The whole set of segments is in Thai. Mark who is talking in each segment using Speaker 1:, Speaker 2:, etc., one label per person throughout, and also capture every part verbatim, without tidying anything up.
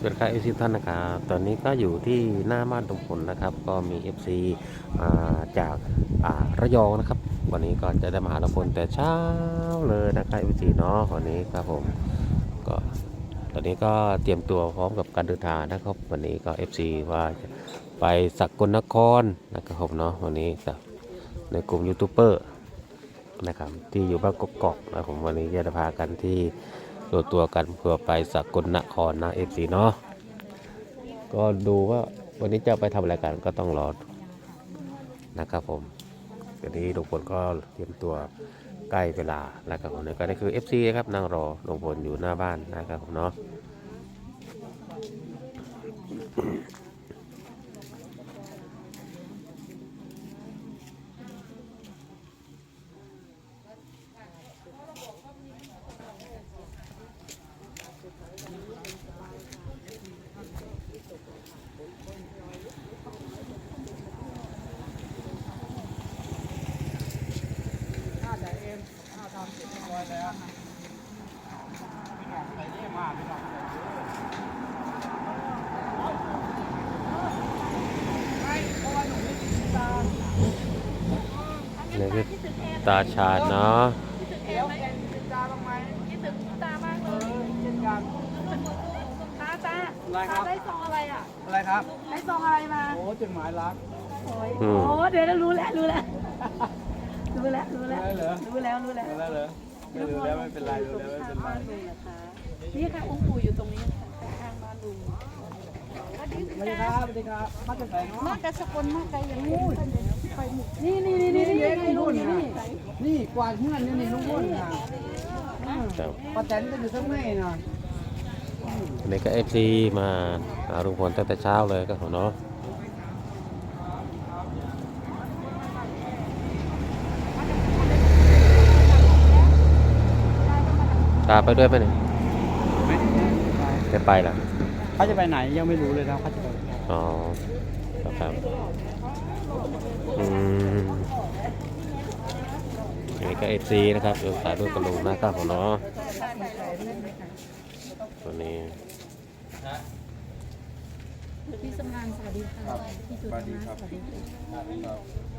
Speaker 1: สวัสดีครับเอฟซีท่านนะครับตอนนี้ก็อยู่ที่หน้าบ้านตรงผลนะครับก็มี เอฟ ซี มาจากอ่าระยองนะครับวันนี้ก็จะได้มาหาลุงพลแต่เช้าเลยนะครับ เอฟ ซี เนาะวันนี้ครับผมก็ตอนนี้ก็เตรียมตัวพร้อมกับการเดินทางนะครับวันนี้ก็ เอฟ ซี ว่าจะไปสกลนครนะครับผมเนาะวันนี้กับในกลุ่มยูทูบเบอร์นะครับที่อยู่บ้านกกอกนะผมวันนี้จะพากันที่ตัวตัวกันเพื่อไปสกลนครนะ เอฟ ซี เนาะก็ดูว่าวันนี้จะไปทำอะไรกันก็ต้องรอนะครับผมเดี๋ยวนี้ลุงพลก็เตรียมตัวใกล้เวลาแล้วครับผมนี่ก็นี่คือ เอฟ ซี ครับนั่งรอลุงพลอยู่หน้าบ้านนะครับผมเนาะนี่คือตาชาญเนาะ
Speaker 2: คิดถึงแอนไหมคิดถึงตาบ้างไหมคิดถึงตามากเลยเช่นกันตาตาตาได้ซองอะไรอ่ะ
Speaker 3: อะไรครับ
Speaker 2: ได้ซองอะไรมา
Speaker 3: โอ้จดหมายรัก
Speaker 2: โอ้ยโอ้เดี๋ยวรู้แล้วรู้แล้วรู้แล้วรู้แล้ว
Speaker 3: ได้เหรอ
Speaker 2: รู้แล้วรู้แล้ว
Speaker 3: ได้เหรอไม่รู้แล้วไม่เป็นไรรู้แล้วไม่เป็นไร
Speaker 2: บ้านลุงนะคะนี่ค่ะองค์ปู่อยู่ตรงนี้ค่ะข้างบ้านลุงสวัสดี
Speaker 3: สวัสดีครับสวัสดีครับมาจากไหนเนาะ
Speaker 2: มากกระสกลมากไกลอย่างนี้นี่นี่นี่นี่นี่นี่ลุงนี่นี่
Speaker 3: นี่กวาดเงื่อนนี่นี่ลุงพ่นนะ
Speaker 1: ครับ
Speaker 3: ป้าแตนก็อยู่ทั้งแม่น่ะ
Speaker 1: วันนี้ก็ เอฟ ซี มาหาลุงพลตั้งแต่เช้าเลยครับผมเนาะตาไปด้วยไหมเนี่ยจะไปเหรอ
Speaker 3: เขาจะไปไหนยังไม่รู้เลยนะเขาจะไป
Speaker 1: อ๋อครับอืมอันนี้ก็ เอฟ ซี นะครับอยู่สายด้วยกับลุงนะครับผมเนาะวันนี้
Speaker 2: พี่สำรานสวัสดีค่ะพี่จุดนะสวัสดีค่ะ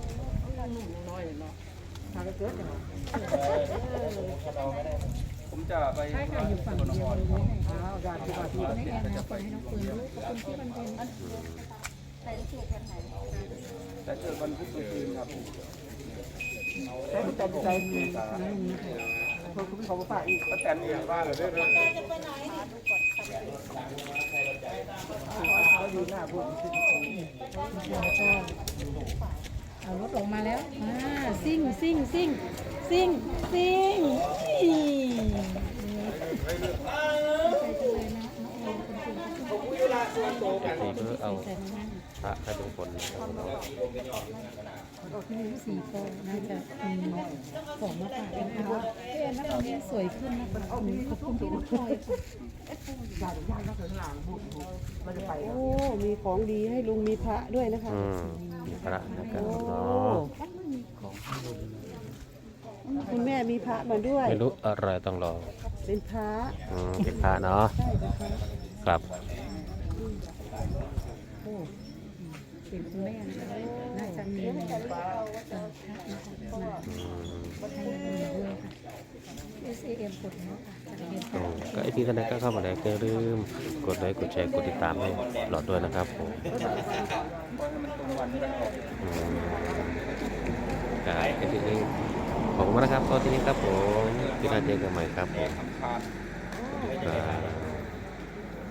Speaker 3: ผมจะไป
Speaker 2: ใช่ค่ะอยู่ฝั่งเดียวเลยอ้าวญาติที่บ้านที่ให้แอนนะคนให้น้องปืนด้วยขอบคุณที่บันเทิงใส่เสื้อแค่ไหน
Speaker 3: แต่เจอวันพุธกลางคืนครับ
Speaker 2: ใจใจใจนี่นะคะ
Speaker 3: เพื่อคุณเขาฝากอีกป้าแตนเองบ้านเลยด้วยเขาอยู่หน้าพูด
Speaker 2: เอารถออกมาแล้วอ่าซิ่งซิ่งซิ่งซิ่งซิ่ง
Speaker 1: ที่เพื่อเอาพระให้ลุงพลนะครับผมเนาะ
Speaker 2: ที่มีสีฟองน่าจะมีของมาฝากกันนะคะพี่แอนนะตอนนี้สวยขึ้นนะคะขอบคุณพี่น้องพลอยค่ะ
Speaker 4: โอ้ มีของดีให้ลุงมีพระด้วยนะคะ
Speaker 1: อืมมีพระนะครับผมเนาะ
Speaker 4: คุณแม่มีพระมาด้วย
Speaker 1: ไม่รู้อะไรต้องรอ
Speaker 4: เป็นพระ
Speaker 1: อืมเป็นพระเนาะ
Speaker 4: ใช่เป็นพระ
Speaker 1: ครับ
Speaker 2: โอ้เป็นคุณแม่นะคะน่าจะมีเอ่อพระนะคะมา
Speaker 1: อืม
Speaker 2: ให้มีด้วยค่ะ เอส เอ เอ็ม กดแล้วค่ะจะเรียน
Speaker 1: อื
Speaker 2: ต่อ
Speaker 1: มก็ไอที่ท่านใดก็เข้ามาแล้วก็อย่าลืมกดไลค์กดแชร์กดติดตามให้หลอดด้วยนะครับผมอืมครับไอที่นี้ขอบคุณมากนะครับตอนที่นี้ครับผมที่น่าเจอกันใหม่ครับผมครับ